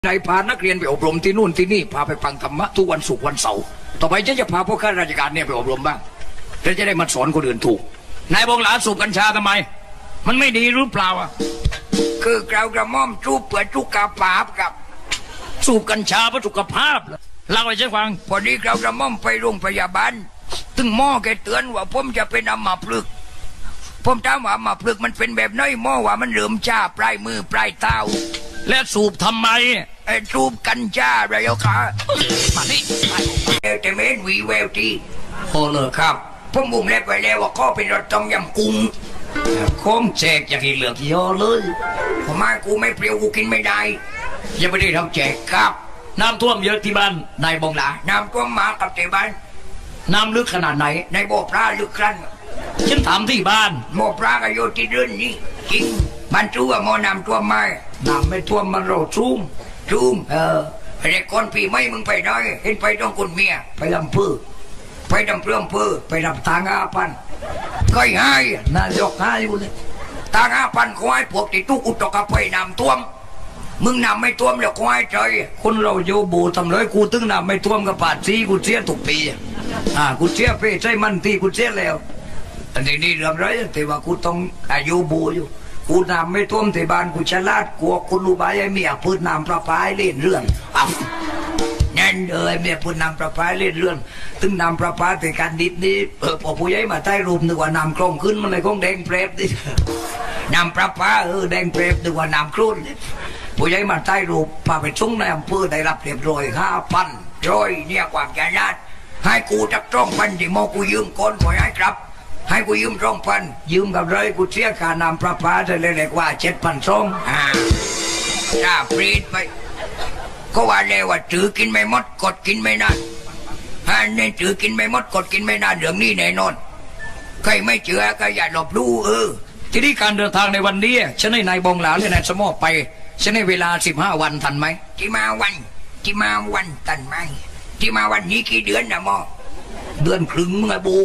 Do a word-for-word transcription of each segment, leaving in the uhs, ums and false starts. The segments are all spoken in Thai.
นายพานักเรียนไปอบรมที่นู่นที่นี่พาไปฟังธรรมะทุกวันศุกร์วันเสาร์ต่อไปฉันจะพาพวกข้าราชการเนี่ยไปอบรมบ้างแล้วจะได้มาสอนคนอื่นถูกนายบงหลาสูบกัญชาทำไมมันไม่ดีหรือเปล่าอ่ะคือกล่าวกระหม่อมจูบเปิดจุกกาปาบกับสูบกัญชาเพื่อสุขภาพเล่าให้ฉันฟังพอดีกล่าวกระหม่อมไปโรงพยาบาลตึงหมอแกเตือนว่าผมจะเป็นอัมพฤกษ์ผมถามว่าอัมพฤกษ์มันเป็นแบบน้อยหมอว่ามันเริ่มชาปลายมือปลายเท้าและสูบทำไมไอ้สูบกัญชาอะไรเอาขามาดิแต่เมนวีแววทีโอ้เลยครับผมบุ้มเล็บไปแล้วว่าก็เป็นรถต้มยำกุ้งโค้งแจกอย่างที่เหลือกเยอะเลยผมมากูไม่เปรี้ยวกูกินไม่ได้ยังไม่ได้ทำแจกครับน้ำท่วมเยอะที่บ้านนายบงหลาน้ำท่วมมากับที่บ้านน้ำลึกขนาดไหนในบ่อปลาลึกครั้นฉันถามที่บ้านบ่อปลาก็อยู่ที่เรือนนี่จริงมันรู้ว่าหมอน้ำท่วมไหมน้ำไม่ท่วมมันโรซุ่มซุ่มเออไอ้คนปีไม่มึงไปได้เห็นไปต้องคนเมียไปลำพื้นไปดำเพื่อมพื้นไปดำทางอาพันก็ง่ายนายกง่ายอยู่เลยทางอาพันควายพวกที่ทุกอุตกะไปน้ำท่วมมึงน้ำไม่ท่วมแล้วควายใจคนเราโยบูทำเลยกูตึงน้ำไม่ท่วมกับปาดซีกูเสียทุกปีอ่ากูเสียไปใช่มันที่กูเสียแล้วอันนี้นี่เรื่องไรแต่ว่ากูต้องอายุบูอยู่กูน้ำไม่ท่วมที่บ้านกูฉลาดกลัวคุณรู้ไหมไอ้เมียพูดน้ำประปาเล่นเรื่องนั่นเลยเมียพูดน้ำประปาเล่นเรื่องตึงน้ำประปาแต่การดิดนี้เออพอผู้ใหญ่มาใต้รูปนึกว่าน้ำกลงขึ้นมันเลยคงแดงเปรบดิน้ำประปาเออแดงเปรบนึกว่าน้ำครุ่นผู้ใหญ่มาใต้รูปพาไปชุ่งในอำเภอได้รับเรียบร้อยห้าพันร้อยเนี่ยความใจญาติให้กูจักจ้องพันที่มอกูยืมก้นขอให้ครับให้กูยืมสองพันยืมกับเลยกูเสียค่าน้ำประปาจะเลยเรียกว่าเจ็ดพันสองอ่าจ้าปรีดไปก็ว่าเลยว่าถือกินไม่หมดกดกินไม่นานฮะเนี่ยถือกินไม่หมดกดกินไม่นานเรื่องนี้แน่นอนใครไม่เชื่อก็อย่าหลบลู่เออที่นี่การเดินทางในวันนี้ฉันให้นายบงหลาและนายสมอไปฉันให้เวลาสิบห้าวันทันไหมที่มาวันที่มาวันทันไหมที่มาวันนี้กี่เดือนนะหมอเดือนครึ่งมึงไอ้บู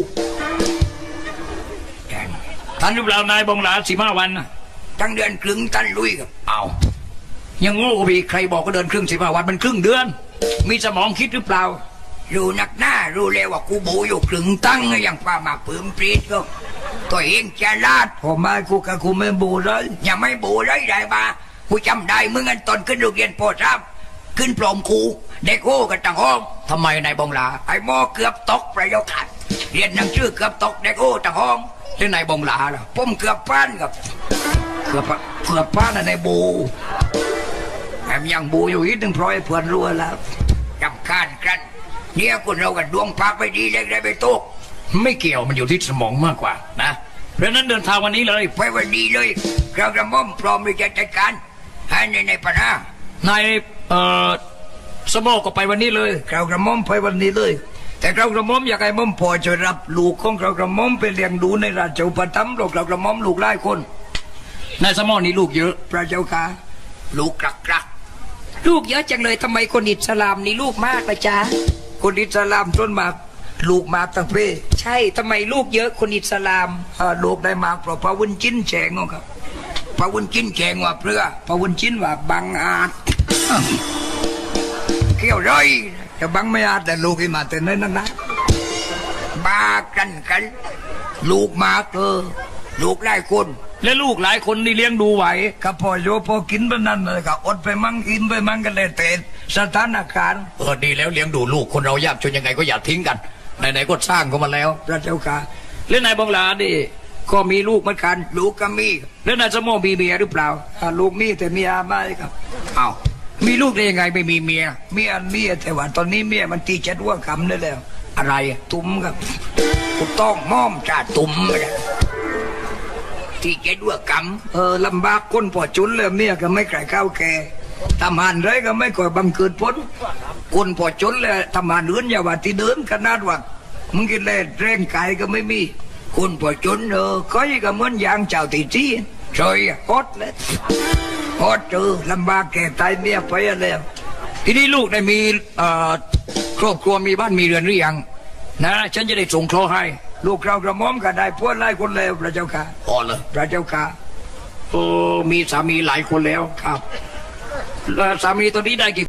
ท่านหรือเปล่านายบงหลาสิบห้าวันทั้งเดือนครึ่งท่านลุยกับเอายังโง่บีใครบอกก็เดินครึ่งสิบห้าวันมันครึ่งเดือนมีสมองคิดหรือเปล่ารู้นักหน้ารู้เลยว่ากูบูอยู่ครึ่งตั้งอย่างป้ามาปื้มปรีดก็ตัวเองจะลาดผมไม่กูกับกูไม่บูเลยอย่าไม่บูเลยได้ปะกูจำได้มึงอันตอนขึ้นโรงเรียนปอทราบขึ้นปลอมครูเด็กโง่กันต่างห้องทำไมนายบงหลาไอ้หมอเกือบตกประโยคขัดเรียนหนังสือเกือบตกเด็กโง่ต่างห้องเรื่องนายบงหลาล่ะผมเกือบป้านกับเกือบเกือบป้านในบูแอมยังบูอยู่อีกหนึ่งพลอยเพื่อนรัวแล้วจำคานกันเนี่ยคนเรากันดวงพักไปดีเล็กได้ไปตกไม่เกี่ยวมันอยู่ที่สมองมากกว่านะเพราะนั้นเดินทางวันนี้เลยไปวันนี้เลยเราจะม่อมพร้อมที่จะจัดการให้ในในปัญหานายเอ่อสมองก็ไปวันนี้เลยเรากระม่อมไปวันนี้เลยแต่เรากระม่อมอยากให้ม่อมพอจะรับลูกของเรากระม่อมไปเลี้ยงดูในราชอุปถัมภ์เรากระม่อมลูกหลายคนนายสมองนี่ลูกเยอะพระเจ้าค่ะลูกกรักกรักลูกเยอะจังเลยทำไมคนอิสลามนี่ลูกมากละจ๊ะคนอิสลามต้นมากลูกมากตั้งเพใช่ทำไมลูกเยอะคนอิสลามลูกได้มากเพราะพระวุ้นจิ้นแฉงครับพระวุ้นจิ้นแฉงว่าเพื่อพระวุ้นจิ้นว่าบังอาจเขี้ยวร้อยจะบังไม่อาจแต่ลูกที่มาแต่นั้นนะบ้ากันกันลูกมากเออลูกหลายคนและลูกหลายคนนี่เลี้ยงดูไหวก็พอโยพอกินไปนั่นเลยก็อดไปมั่งกินไปมั่งกันเลยแต่สถานการณ์เออดีแล้วเลี้ยงดูลูกคนเรายากจนยังไงก็อย่าทิ้งกันไหนๆก็สร้างเขามาแล้วพระเจ้าค่ะเล่นนายบงหลาดิก็มีลูกเหมือนกันลูกก็มีแล้วนายสมอมีเมียหรือเปล่าลูกมีแต่เมียไม่ครับอ้าวมีลูกได้ยังไงไม่มีเมียเมียเมียแต่ว่าตอนนี้เมียมันตีเจ็ดว่าคำได้แล้วอะไรตุ้มครับกูต้องม่อมจ่าตุ้มที่เจ็ดว่ากำเออลำบากคนพอจุนเลยเมียก็ไม่ไก่ข้าวแก่ทำหันไรก็ไม่ก่อยบังเกิดพ้นคนพอจุนเลยทำหันเอื้อนอย่าว่าที่เดินขนาดว่ามึงกินเล่แรงกายก็ไม่มีคนพอจุนเออก้อยก็เหมือนยางเจ้าตีจี้ซอยฮอตเลยฮอตเจอลำบากแก่ตายเมียไปแล้วทีนี้ลูกได้มีเอ่อครอบครัวมีบ้านมีเรือนหรือยังนะฉันจะได้ส่งเคราะห์ให้ลูกเรากระหม่อมก็ได้พวกไล่คนแล้วพระเจ้าค่ะอ๋อเลยพระเจ้าค่ะโอ้มีสามีหลายคนแล้วครับแล้วสามีตอนนี้ได้กี่